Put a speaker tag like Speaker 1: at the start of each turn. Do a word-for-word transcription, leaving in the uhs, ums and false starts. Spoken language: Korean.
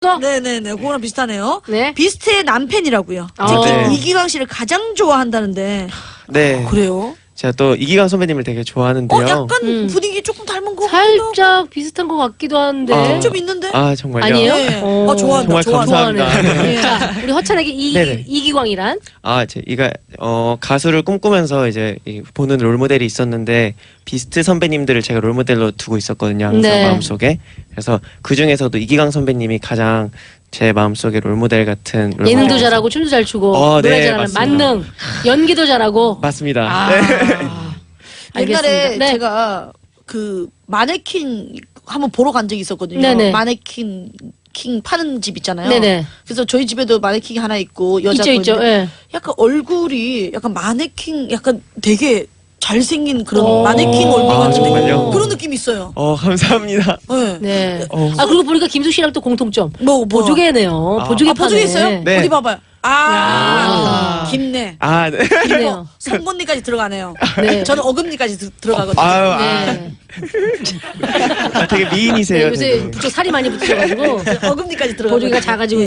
Speaker 1: 네네네, 그거랑 비슷하네요.
Speaker 2: 네.
Speaker 1: 비스트의 남편이라고요.
Speaker 2: 어.
Speaker 1: 특히
Speaker 3: 네.
Speaker 1: 이기광 씨를 가장 좋아한다는데.
Speaker 3: 네.
Speaker 1: 그래요?
Speaker 3: 제가 또 이기광 선배님을 되게 좋아하는데요.
Speaker 1: 어, 약간
Speaker 2: 음.
Speaker 1: 분위기 조금 닮은 거
Speaker 2: 살짝 비슷한 것 같기도 한데.
Speaker 3: 아.
Speaker 1: 좀 있는데?
Speaker 3: 아 정말요?
Speaker 2: 아니에요?
Speaker 1: 네.
Speaker 2: 어.
Speaker 1: 아, 좋아한다.
Speaker 3: 정말
Speaker 1: 좋아한다.
Speaker 3: 감사합니다.
Speaker 2: 좋아하네.
Speaker 1: 네.
Speaker 2: 자, 우리 허찬에게 이,
Speaker 3: 네네.
Speaker 2: 이기광이란?
Speaker 3: 아, 제 이가 어 가수를 꿈꾸면서 이제 이 보는 롤모델이 있었는데 비스트 선배님들을 제가 롤모델로 두고 있었거든요. 항상
Speaker 2: 네.
Speaker 3: 마음속에. 그래서 그 중에서도 이기광 선배님이 가장 제 마음속에 롤모델 같은 롤모델.
Speaker 2: 예능도 잘하고 춤도 잘 추고
Speaker 3: 어,
Speaker 2: 노래
Speaker 3: 네,
Speaker 2: 잘하는
Speaker 3: 맞습니다.
Speaker 2: 만능 연기도 잘하고.
Speaker 3: 맞습니다.
Speaker 2: 아.
Speaker 3: 네.
Speaker 1: 옛날에
Speaker 2: 알겠습니다. 네.
Speaker 1: 제가 그 마네킹 한번 보러 간 적이 있었거든요.
Speaker 2: 네네.
Speaker 1: 마네킹 킹 파는 집 있잖아요.
Speaker 2: 네네.
Speaker 1: 그래서 저희 집에도 마네킹이 하나 있고 여자
Speaker 2: 있죠,
Speaker 1: 거
Speaker 2: 있죠.
Speaker 1: 있는데
Speaker 2: 예.
Speaker 1: 약간 얼굴이 약간 마네킹 약간 되게 잘생긴 그런
Speaker 2: 오.
Speaker 1: 마네킹 얼굴
Speaker 3: 아,
Speaker 1: 같은데
Speaker 3: 정말요?
Speaker 1: 그런 느낌이 있어요.
Speaker 3: 어, 감사합니다.
Speaker 1: 네.
Speaker 2: 네.
Speaker 3: 어.
Speaker 2: 아 그리고 보니까 김숙 씨랑 또 공통점.
Speaker 1: 뭐, 뭐.
Speaker 2: 보조개네요.
Speaker 3: 아.
Speaker 2: 보조개
Speaker 1: 아,
Speaker 2: 파네.
Speaker 1: 보조개 있어요?
Speaker 3: 네.
Speaker 1: 어디 봐봐요. 아,
Speaker 2: 야.
Speaker 1: 깊네.
Speaker 3: 아, 네.
Speaker 2: 그래요.
Speaker 1: 성분리까지 들어가네요.
Speaker 2: 네.
Speaker 1: 저는 어금니까지 들- 들어가거든요.
Speaker 3: 아유, 아,
Speaker 2: 네.
Speaker 3: 아, 되게
Speaker 2: 네,
Speaker 3: 미인이세요.
Speaker 2: 요새
Speaker 3: 되게.
Speaker 2: 부쩍 살이 많이 붙으셔가지고
Speaker 1: 어금니까지 들어가거든요.
Speaker 2: 보조개가 작아지고